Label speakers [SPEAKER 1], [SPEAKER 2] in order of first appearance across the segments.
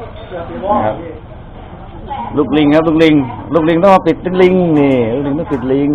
[SPEAKER 1] นะครับลูกลิงครับลูกลิงต้องมาปิดลิงนี่ลูกลิงต้องปิดลิง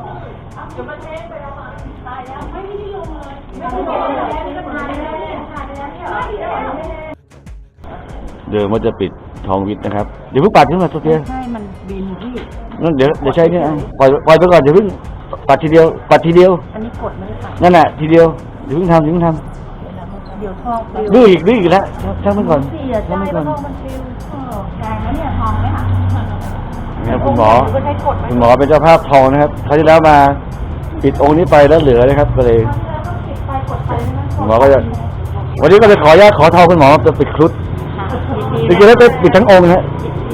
[SPEAKER 1] เดี๋ยวมันจะปิดทองวิทย์นะครับเดี๋ยวเพิ่งปัดขึ้นมาโซเฟีย
[SPEAKER 2] ใช่มันบินที่
[SPEAKER 1] นั่นเดี๋ยวใช้เนี่ยปล่อยไปก่อนเดี๋ยวเพิ่งปัดทีเดียวอัน
[SPEAKER 2] นี้กดไม่ได้ค่ะ
[SPEAKER 1] นั่นแหละทีเดียวเดี๋ยวเพิ่งทำ
[SPEAKER 2] เดี๋ยวทอง
[SPEAKER 1] ดื้ออีกแล้วช่างมันก่อน
[SPEAKER 2] ช่างมันก่อนมันฟิวแพงแล้วเนี่ยทองไหมคะ
[SPEAKER 1] นะครับคุณหมอเป็นเจ้าภาพทองนะครับคราวที่แล้วมาปิดองค์นี้ไปแล้วเหลือนะครับก็เลยหมอก็จะวันนี้ก็เลยขออนุญาตขอทองคุณหมอจะปิดครุฑจริงๆแล้วจะปิดทั้งองค์นะ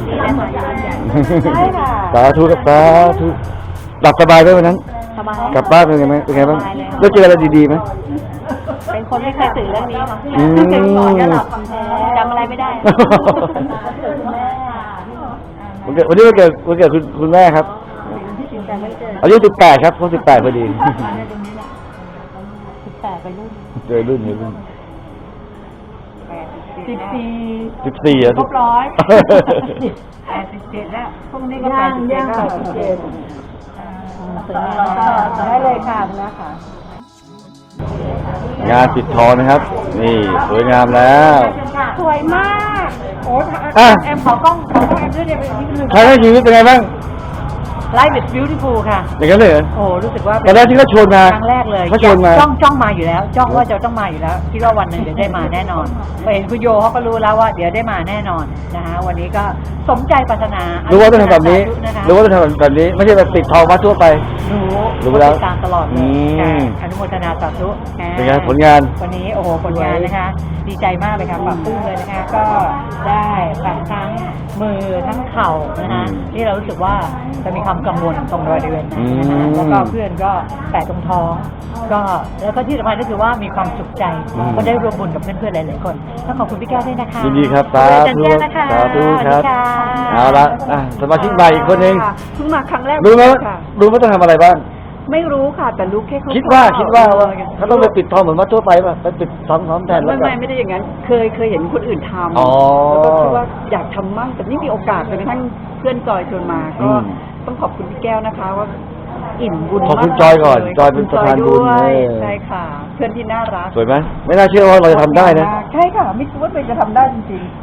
[SPEAKER 1] สาธุกับสาธุหลับสบายไหมวันนั้นกลับบ้านเป็นไงบ้างได้เจออะไรดีๆไหม
[SPEAKER 2] เป็นคนไม่เคยตื่นเรื่องนี้ค่ะสอนก็หลับจำอะไรไม่ได้
[SPEAKER 1] วันนี้วันเกิดคุณแม่ครับอายุ18ครับเขา18พอดี
[SPEAKER 2] 18ไปรุ่น
[SPEAKER 1] เจอรุ่น14
[SPEAKER 2] ครบ100 87แล้วพรุ่งนี้ก็87ได้เลยค่ะนะคะ
[SPEAKER 1] งานปิดทองนะครับนี่สวยงามแล้ว
[SPEAKER 2] สวยมากโอ้แอมขอกล้องแอมด้วยเดี๋ยวไปนิดนึง
[SPEAKER 1] ใครได้ชีวิตเป็นไงบ้าง
[SPEAKER 2] Life is beautiful ค่ะ
[SPEAKER 1] อย่างนั้นเลยเหรอ
[SPEAKER 2] โอ้รู้สึกว่า
[SPEAKER 1] ตอนแรกที่เขาชวนมา
[SPEAKER 2] ครั้งแรกเลย
[SPEAKER 1] เขาชวนมา
[SPEAKER 2] จ้องมาอยู่แล้วจ้องว่าจะต้องมาอยู่แล้วคิดว่าวันหนึ่งเดี๋ยวได้มาแน่นอนเห็นคุณโยเขาก็รู้แล้วว่าเดี๋ยวได้มาแน่นอนนะคะวันนี้ก็สมใจปรารถนา
[SPEAKER 1] รู้ว่าต้องทำแบบนี้รู้ว่าต้องทำแบบนี้ไม่ใช่แบบติดทองมาทั่วไปรู้แล้ว
[SPEAKER 2] ตามตลอดเลยอนุโมทนาสาธุ
[SPEAKER 1] เป็นไงผลงาน
[SPEAKER 2] วันนี้โอ้โหผลงานนะคะดีใจมากเลยค่ะปรับปรุงเลยนะคะก็ได้ทั้งมือทั้งเข่านะคะที่เรารู้สึกว่าจะมีความกังวลตรงบริเวณนั้นนะคะแล้วก็เพื่อนก็แตะตรงท้องก็แล้วก็ที่สำคัญก็คือว่ามีความสุขใจก็ได้รวมบุญกับเพื่อนๆหลายๆคนต้องขอบคุณพี่แก้วด้วยนะคะ
[SPEAKER 1] ยินดีครับสาธุครับเอาละสมาชิกใหม่อีกคนนึง
[SPEAKER 2] เพิ่งมาครั้งแรก
[SPEAKER 1] รู้ไหมต้องทำอะไรบ้าง
[SPEAKER 2] ไม่รู้ค่ะแต่รู้แค่
[SPEAKER 1] คิดว่าเขาต้องไปปิดทองเหมือนวัดทั่วไปป่ะไปปิดทองแทนแล้ว
[SPEAKER 2] ไม่ได้อย่างนั้นเคยเห็นคนอื่นทำแล้วก็คิดว่าอยากทำมั่งแต่นี่มีโอกาสจนกระทั่งเพื่อนจอยชวนมาก็ต้องขอบคุณพี่แก้วนะคะว่าอิ่มบุญ
[SPEAKER 1] ขอบคุณจอยก่อนจอยเป็นประธานบุญ
[SPEAKER 2] ใช่ค่ะเพื่อนที่น่ารัก
[SPEAKER 1] สวยไหมไม่น่าเชื่อว่าเราจะทำได้นะ
[SPEAKER 2] ใช่ค่ะไม่คิดว่าเราจะทำได้จริง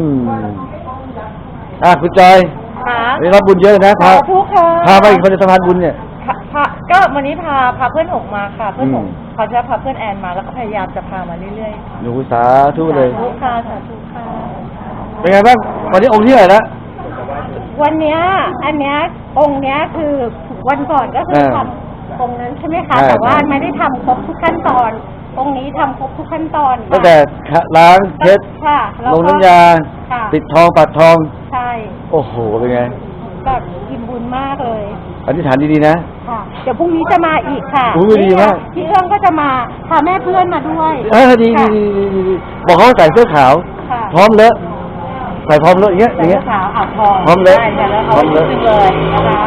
[SPEAKER 1] ๆคุณจอยนี่รับบุญเยอะนะพาไปอีกคนจะสะพานบุญเนี่ย
[SPEAKER 2] ก็วันนี้พาเพื่อนหกมาค่ะเพื่อนหกเขาจะพาเพื่อนแอนมาแล้วก็พยายามจะพามาเรื่อยๆ
[SPEAKER 1] หนูสาธุเลย
[SPEAKER 2] สาธุค่ะสาธุค่ะ
[SPEAKER 1] เป็นไงบ้างวันนี้องค์ที่ไหนละ
[SPEAKER 2] วันเนี้ยอันเนี้ยองค์เนี้ยคือวันก่อนก็คือทำองค์นั้นใช่ไหมคะแต่ว่าไม่ได้ทำครบทุกขั้นตอนองค์นี้ทำครบทุกขั้นตอน
[SPEAKER 1] ตั้งแต่ล้างเพชรลงน้ำยาปิดทองปัดทอง
[SPEAKER 2] ใช่
[SPEAKER 1] โอ้โหเป็นไง
[SPEAKER 2] แบบอิ่มบุญมากเลย
[SPEAKER 1] อธิษฐานดีๆนะ
[SPEAKER 2] ค่ะเดี๋ยวพรุ่งนี้จะมาอีกค่ะ
[SPEAKER 1] ดีมาก
[SPEAKER 2] พี่เอื้องก็จะมาพาแม่เพื่อนมาด้วย
[SPEAKER 1] ดีบอกเขาใส่เสื้อขาวพร้อมเลอะใส่พร้อมเลอะอย่างเงี้ยพร้อมเลอะ
[SPEAKER 2] เลยนะคะ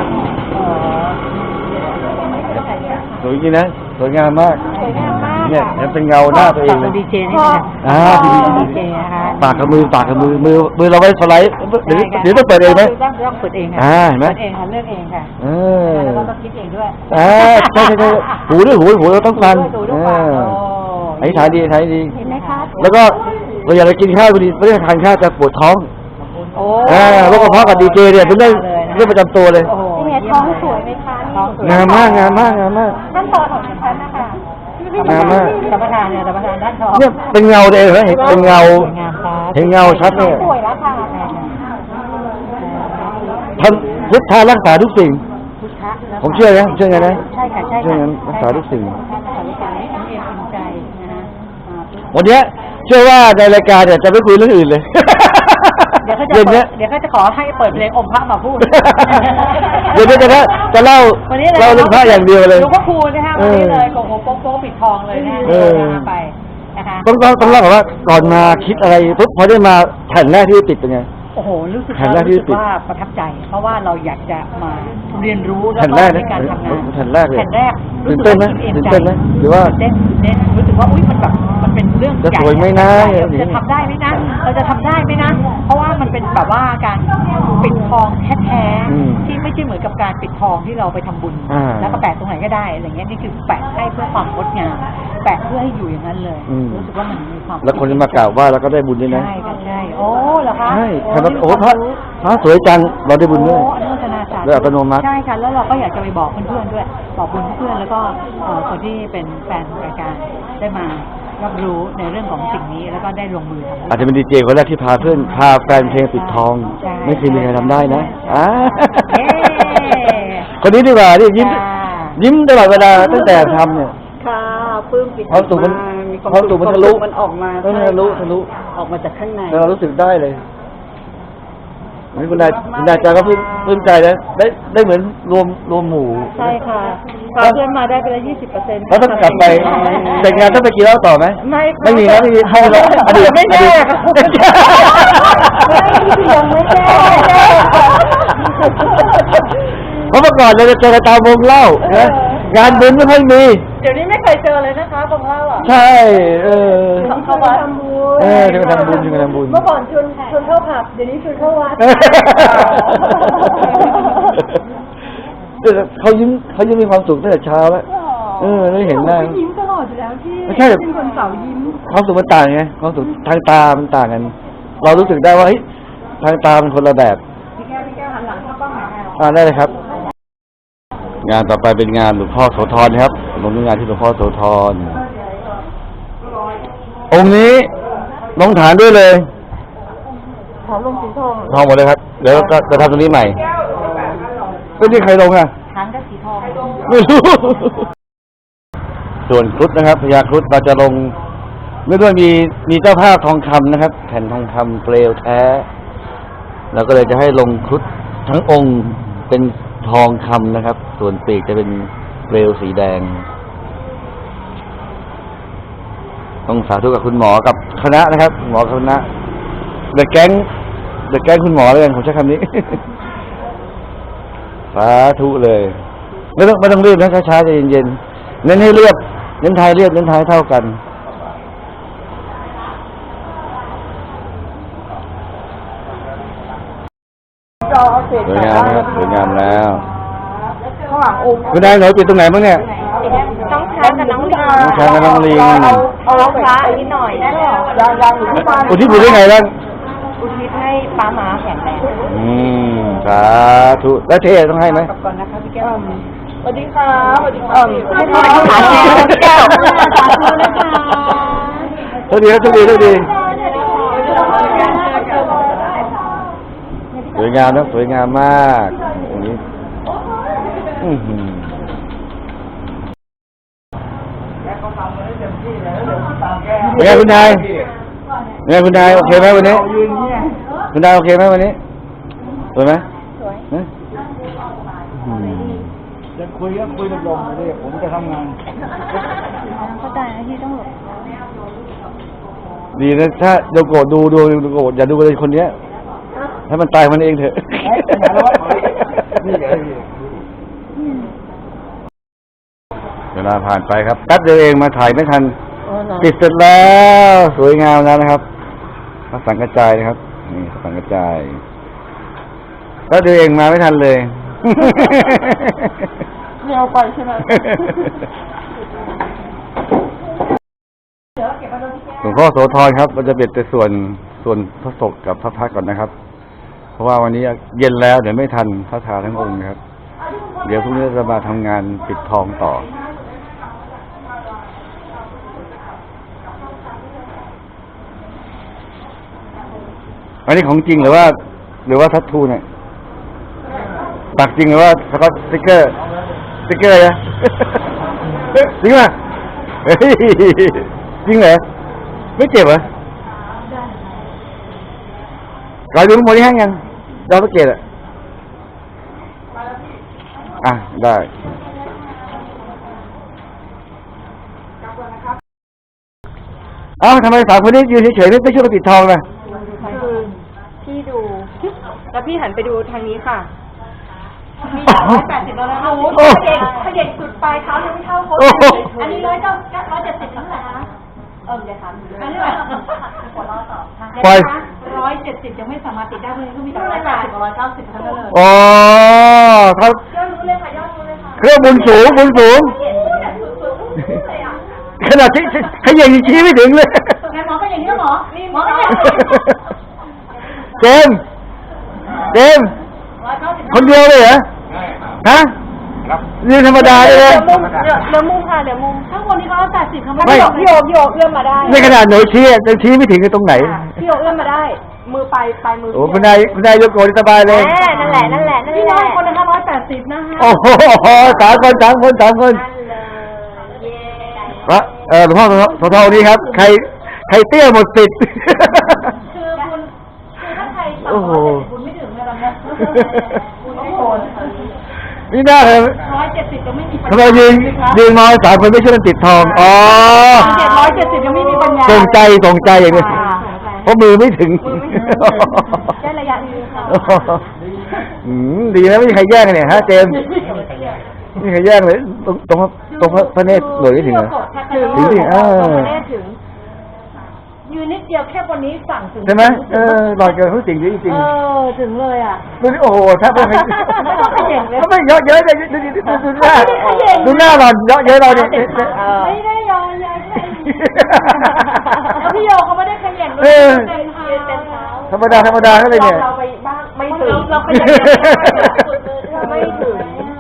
[SPEAKER 1] สวยจริงนะสวยงามมากเนี่ยเป็นเงาหน้าตัวเองเลย
[SPEAKER 2] ดีเจนี่ดีเจนะคะ
[SPEAKER 1] ปากกับมือมือเราไว้สไลด์เดี๋ยวต้องเปิดเองไหม
[SPEAKER 2] ต้องเปิดเองค่ะ
[SPEAKER 1] เห็นไหม
[SPEAKER 2] เปิดเองค่ะเลือกเองค่ะแล้วก็ต้องคิดเองด้วย
[SPEAKER 1] ใช่หูเราต้องฟังไอ้ทานดีเ
[SPEAKER 2] ห็นไหมคะ
[SPEAKER 1] แล้วก็เราอยากจะกินข้าวพอดีไม่ได้ทานข้าวจะปวดท้องโรคกระเพาะกับดีเจเนี่ยเป็นเรื่องประจำตัวเลย
[SPEAKER 2] เป็นไงท้องสวยไหมคะ
[SPEAKER 1] งามมาก
[SPEAKER 2] ขั้นตอนของฉันนะคะ
[SPEAKER 1] งามมาก
[SPEAKER 2] สัมปทานเนี่ยสัมปทานด้านท้อง
[SPEAKER 1] เนี่ยเป็นเงาเองเหรอเห็นเป็นเงาชัดเลย
[SPEAKER 2] สวยแล้วค่ะ
[SPEAKER 1] ทำพุทธารักษาทุกสิ่งผมเชื่อนะเชื่อไงนะ
[SPEAKER 2] ใช่ค่ะ
[SPEAKER 1] เชื่องั้นรักษาทุกสิ่ง
[SPEAKER 2] วั
[SPEAKER 1] นนี้เชื่อว่าในรายการเนี่ยจะไม่คุยเรื่องอื่นเลย
[SPEAKER 2] เดี๋ยวเขาจะขอให้เปิดเพลงอมพระมาพูด
[SPEAKER 1] เดี๋ยวจะเล่าเรื่องพระอย่างเดียวเลย
[SPEAKER 2] หลวงพ่อคูณนะคะวันนี้เลยโกโก้โป๊ปิดทองเลยนะไปนะคะ
[SPEAKER 1] ต้องเล่าว่าก่อนมาคิดอะไรปุ๊บพอได้มาแผ่นแรกที่ติดเป็นไง
[SPEAKER 2] โอ้โหรู้สึกว่าประทับใจเพราะว่าเราอยากจะมาเรียนรู้แล้วก็ในการทำงาน
[SPEAKER 1] แผ่นแรก
[SPEAKER 2] รู้สึกว่า
[SPEAKER 1] ตื่นเต้นไหมหรือว่า
[SPEAKER 2] เต้นรู้สึกว่าอุ้ยมันแบบมันเป็นเรื่องใหญ่
[SPEAKER 1] จะสวยไหมนะ
[SPEAKER 2] จะทำได้ไหมนะเราจะทำได้ไหมนะเพราะว่ามันเป็นแบบว่าการปิดทองแท้
[SPEAKER 1] อืม
[SPEAKER 2] ๆที่ไม่ใช่เหมือนกับการปิดทองที่เราไปทำบุญ
[SPEAKER 1] อ่า
[SPEAKER 2] แล้วก็แปะตรงไหนก็ได้อะไรเงี้ยนี่คือแปะให้เพื่อความงดงามแปะเพื่อให้อยู่อย่างนั้นเลย
[SPEAKER 1] อืม
[SPEAKER 2] รู้สึกว่ามันมีความ
[SPEAKER 1] แล้วคนจะมากราบไหว้แล้วก็ได้บุญด้วยนะ
[SPEAKER 2] ใช่ค่ะใช่โอ้เหรอคะ
[SPEAKER 1] ใช่
[SPEAKER 2] โอ้
[SPEAKER 1] ขนาด
[SPEAKER 2] นี่
[SPEAKER 1] โอ้
[SPEAKER 2] ความ
[SPEAKER 1] พระ
[SPEAKER 2] รู้
[SPEAKER 1] สวยจังเราได้บุญด้วย
[SPEAKER 2] โอ้อนุโมทนาสาธุ
[SPEAKER 1] ด้วยอัตโนมัติ
[SPEAKER 2] ใช่ค่ะแล้วเราก็อยากจะไปบอกเพื่อนๆด้วย บอกบุญเพื่อนแล้วก็คนที่เป็นแฟนรายการได้มารับรู้ในเรื่องของสิ่งนี้แล้วก็ได้ลงมือทำ
[SPEAKER 1] อาจจะเป็นดีเจคนแรกที่พาเพื่อนพาแฟนเพลงปิดทอง
[SPEAKER 2] ใช่
[SPEAKER 1] ไม่เคยมีใครทำได้นะ
[SPEAKER 2] ใช่
[SPEAKER 1] อ่า
[SPEAKER 2] เย้
[SPEAKER 1] คนนี้ดีกว่านี่ยิ้ม
[SPEAKER 2] ค่ะ
[SPEAKER 1] ยิ้มตลอดเวลาตั้งแต่ทำเนี่ย
[SPEAKER 3] ค่ะปลื้มปิติ
[SPEAKER 1] ความสุขมัน
[SPEAKER 3] มี
[SPEAKER 1] ความสุขมันทะลุ
[SPEAKER 3] มันออกมา
[SPEAKER 1] เออทะลุทะลุ
[SPEAKER 3] ออกมาจากข้างใน
[SPEAKER 1] เรารู้สึกได้เลยนี่คุณนายจาก็ปลื้มใจนะได้เหมือนรวมหมู่
[SPEAKER 3] ใช่ค่ะพาเพื่อนมาได้ไปแล้ว20%
[SPEAKER 1] แล้วต้องกลับไปแต่งงานต้องไปกินเหล้าต่อไหม ไม่มีนะไม่มีให้เราอดีต
[SPEAKER 3] ไม่แน่
[SPEAKER 1] อดีต
[SPEAKER 3] ยังไม่แน่
[SPEAKER 1] เพราะเมื่อก่อนเราจะเจอกันตามวงเล่านะงานบุญไม่ค่อยมี
[SPEAKER 3] เดี๋ยวนี้ไม่เคยเจอเลยนะคะบางเล่าอ่ะ
[SPEAKER 1] ใช่
[SPEAKER 3] เข้าวัดทำบุญ
[SPEAKER 1] ถึงทำบุญถึงทำบุญ
[SPEAKER 3] เมื่อก่อนชวนเข้าผับเดี๋ยวนี้ชวนเข้าวัด
[SPEAKER 1] เขายิ้มมีความสุขตั้งแต่เช้าแล้วได้เห็นหน้า
[SPEAKER 3] ยิ้มตลอดอยู่แล้วพี่
[SPEAKER 1] ไม่ใช่
[SPEAKER 3] เป็นคนเสายิ้ม
[SPEAKER 1] ความสุขมันต่างไงความสุขทางตามันต่างกัน เรารู้สึกได้ว่าเฮ้ยทางตาเป็นคนละแบบ
[SPEAKER 3] พี่แก้วหันหลังเข้าป้องหา
[SPEAKER 1] ได้เลยครับ งานต่อไปเป็นงานหลวงพ่อโสธรครับลงงานที่หลวงพ่อโสธรองค์นี้ลงฐานด้วยเลย
[SPEAKER 3] ถามลงสีทอง
[SPEAKER 1] ทองหมดเลยครับเดี๋ยวจะทำตรงนี้ใหม่ก็ที่ใครลงอ่ะ
[SPEAKER 2] ช้างก็สีทอง
[SPEAKER 1] ไม่รู้ ส่วนครุฑนะครับพญาครุฑเราจะลงเนื่องด้วยมีเจ้าภาพทองคำนะครับ แผ่นทองคำเปลวแท้เราก็เลยจะให้ลงครุฑทั้งองค์เป็นทองคำนะครับ ส่วนปีกจะเป็นเปลวสีแดง ต้องสาธุกับคุณหมอกับคณะนะครับหมอคณะเดอะแก๊งคุณหมอเลยกันผมใช้คำนี้ สาธุเลยไม่ต้องรีบนะช้าๆใจเย็นๆเน้นให้เรียบเน้นท้ายเรียบเน้นท้ายเท่ากันสวยงามครับสวยงามแล้ว
[SPEAKER 3] ข้างหลังองค์
[SPEAKER 1] คุณนายหนูปิดตรงไหนบ้างเนี่ย
[SPEAKER 2] น้องช้างกับน้องลิง
[SPEAKER 1] น้องช้างกับน้องลิง
[SPEAKER 2] เอาพระนิดหน่อยได้แล้ว
[SPEAKER 3] ยังอยู่ที่บ้าน
[SPEAKER 1] อุทิศบุญได้ไงบ้าง
[SPEAKER 2] อุทิศให้ป้าม้าแข็งแรง
[SPEAKER 1] สาธุแล้วเทต้องให้ไหม
[SPEAKER 3] กลับก่อนนะคะพี่แก้วสวัสดีค่ะสวัสดีค่ะ
[SPEAKER 2] ให้พ่อให้หลานแม่แก้วสาธุนะคะ
[SPEAKER 1] โชคดีครับโชคดีโชคดีสวยงามนะสวยงามมากอย่างนี้เป็นไงคุณนายเป็นไงคุณนายโอเคไหมวันนี้คุณนายโอเคไหมวันนี้สวยไหมสวยยังคุยกับลมเลยผมจะทำงาน
[SPEAKER 2] เข้าใจนะที่ต้องหลบ
[SPEAKER 1] ดีนะถ้าโดโกะดูโกะอย่าดูเลยคนเนี้ยถ้ามันตายมันเองเถอะเวลาผ่านไปครับแป๊บเดียวเองมาถ่ายไม่ทันติดเสร็จแล้วสวยงามแล้วนะครับพระสังกระจายนะครับนี่พระสังกระจายแป๊บเดียวเองมาไม่ทันเลย
[SPEAKER 3] เร็วไปใช่ไหม
[SPEAKER 1] หลวงพ่อโสธรครับเราจะเบ็ดแต่ส่วนพระศกกับพระพักตร์ก่อนนะครับ เพราะว่าวันนี้เย็นแล้วเดี๋ยวไม่ทันพระทาทั้งองค์นะครับ เดี๋ยวพรุ่งนี้จะมาทำงานปิดทองต่ออันนี้ของจริงหรือว่าทัตทูเนี่ยปักจริงหรือว่าสก็อตสติ๊กเกอร์นะ จริงป่ะเฮ้ยจริงเหรอไม่เจ็บเหรอรอยดูโมนี่แห้งยังดาวพระเกศอ่ะได้เอ้าทำไมสามคนนี้ยืนเฉยๆไม่ช่วยกันปิดทองเลย
[SPEAKER 3] คือพี่ดู แล้วพี่หันไปดูทางนี้ค่ะ มี180แล้วนะโอ้ขยันสุดปลายเท้ายังไม่เท่าเขาอันนี้170เท่าไหร่คะเดี๋ยวถามอันนี้หัวเราะต่อ
[SPEAKER 1] ปล่อย
[SPEAKER 3] 170 170ยังไม่สามารถติดได้เลยก็มีแต่180กับ190เท่านั้นเลย
[SPEAKER 1] อ๋อเขา
[SPEAKER 3] ยอดรู้เลยค่ะยอดรู้เลยค่ะ
[SPEAKER 1] เครื่องบุญสูง
[SPEAKER 3] สุดเลยอ่ะ
[SPEAKER 1] ขนาดที่ขยันชี้ไม่ถึงเลย
[SPEAKER 3] ไงหมอก็อย่างนี้หมอนี่หมอก็
[SPEAKER 1] เจมส์คนเดียวเลยเหรอฮะเรื่องธรรมดาเลยนะ
[SPEAKER 3] เหลือมุมค่ะเหลือมุมข้างบนนี้เขา80เขาไม่พี่โยเอื้อมมาได้
[SPEAKER 1] ในขนาดหนูชี้ยังชี้ไม่ถึงตรงไหน
[SPEAKER 3] พี่โยเอื้อมมาได้ มือไปมือ
[SPEAKER 1] โอ้คุณนายยกโกนสบายเลย
[SPEAKER 3] นั่นแหละพี่น้อยคนนะคะ180นะคะ
[SPEAKER 1] โอ้โหสามคนวะหลวงพ่อโสธรนี่ครับใครเตี้ยหมดสิทธิ์
[SPEAKER 3] คือถ้าใคร
[SPEAKER 1] โอ้โห
[SPEAKER 3] บุญไม่ถึงเลยนะบุญไม่โกน
[SPEAKER 1] นี่น่าเลย
[SPEAKER 3] 170ก็ไม่มีปัญ
[SPEAKER 1] ทำไม
[SPEAKER 3] ญา
[SPEAKER 1] ยืนมอง3 คนไม่ช่วยกันติดทองอ๋อ
[SPEAKER 3] 170ยังไม่มีปัญญา
[SPEAKER 1] ส่งใจอย่างนี้เพราะมือไม่ถึง
[SPEAKER 3] ได้ระยะนี้ค่ะ
[SPEAKER 1] ดีนะไม่มีใครแย่งกันเนี่ยฮะเจมส์ไม่มีใครแย่งเลยตรงพระเนตรหน่วยไม่ถึงเหรอถึงดิ
[SPEAKER 3] ถึงยืนนิดเดียวแค่บนนี้สั่งถึง
[SPEAKER 1] ใช่ไหมหลอดเกินเขาจริงจริง
[SPEAKER 3] ถึงเลยอ่ะ
[SPEAKER 1] ดูนี่โอ้โหถ้าเป็น
[SPEAKER 3] ไม่ต้องขย่งเลย
[SPEAKER 1] เขาไม่เยอะเลยดูหน้าหลอดเยอะเราเนี่ย
[SPEAKER 3] ไม่ได้ยอมเลยพี่โยเขาไม่ได้ขย่งด้วยเต็มเท้า
[SPEAKER 1] ธรรมดาเขาเลยเนี่ย
[SPEAKER 3] เราไปบ้างไม่ถึงเราขย่งไม่ถึง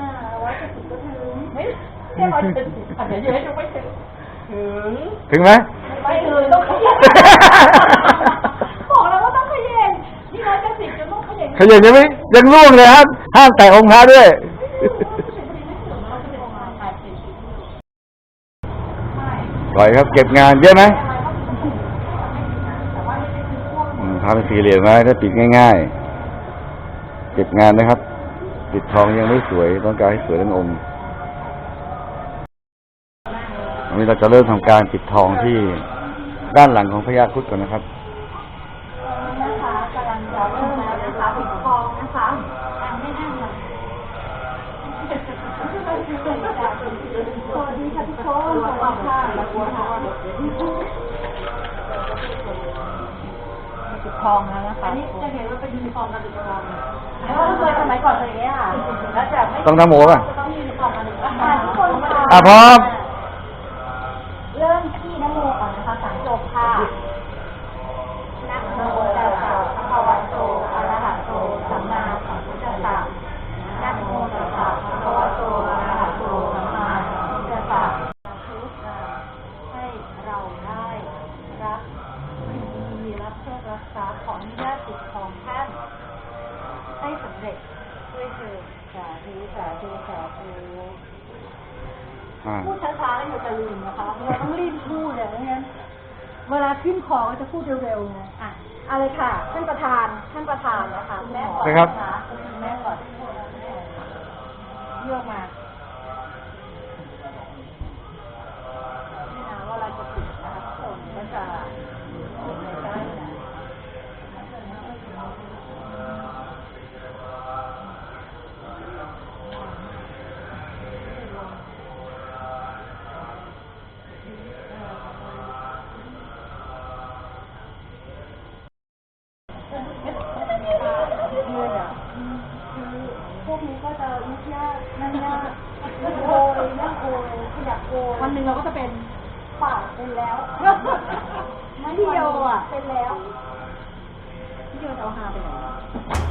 [SPEAKER 3] ไม่แค่170อาจจะเยอะจนไม่ถึง
[SPEAKER 1] ถึงไหม
[SPEAKER 3] ไม่ถึงต้องขย่งบอกแล้วว่าต้องขย่งนี่170จะต้องขย่ง
[SPEAKER 1] ขยันยังล่วงเลยครับห้ามแตะองค์พระด้วยปล่อยครับเก็บงานเยอะไหมทำเป็นสี่เหลี่ยมไว้ถ้าปิดง่ายๆเก็บงานนะครับปิดทองยังไม่สวยต้องการให้สวยทั้งองค์วันนี้เราจะเริ่มทำการปิดทองที่ด้านหลังของพญาครุฑก่อนนะครับ
[SPEAKER 3] นะคะกำลังจะเริ่มแล้วนะคะปิดทองนะคะไม่นั่งเลยสวัสดีค่ะทุกคนสวัสดีค่ะปิดทองแล้วนะคะนี่จะเห็นว่าเป็นยูนิฟอร์มการปิดทองแล้วเคยสมัยก่อนเลยเนี่ยค่ะแล้วจะไม่
[SPEAKER 1] ต้องทำโมป่ะ
[SPEAKER 3] ต้องยูนิฟอร์มกันทุกคน
[SPEAKER 1] พร้อม
[SPEAKER 3] เริ่มที่นโมก่อนนะคะสังจบค่ะนะโมตัสสะภะคะวะโตอะระหะโตสัมมาสัมพุทธัสสะนะโมตัสสะภะคะวะโตอะระหะโตสัมมาสัมพุทธัสสะให้เราได้รับดีรับเพื่อรักษาขออนุญาตติดของท่านให้สำเร็จด้วยเถิดสาธุพูดช้าๆแล้วอยู่จะลืมนะคะเราต้องรีบพูดอย่างนั้นเวลาขึ้นคอก็จะพูดเร็วๆไงอะไรค่ะท่านประธานนะคะแม่ก่อนนะคะแม่ก่อนเลือกมานี่นะว่าเราจะปิดนะคะทุกคนก็จะใกล้ๆนะพวกนี้ก็จะยุ่งยากนั่นยากโอยนั่งโอยขยับโอยวันหนึ่งเราก็จะเป็นปากเป็นแล้วพี่โยเป็นแล้วพี่โยจะเอาหาไปไหน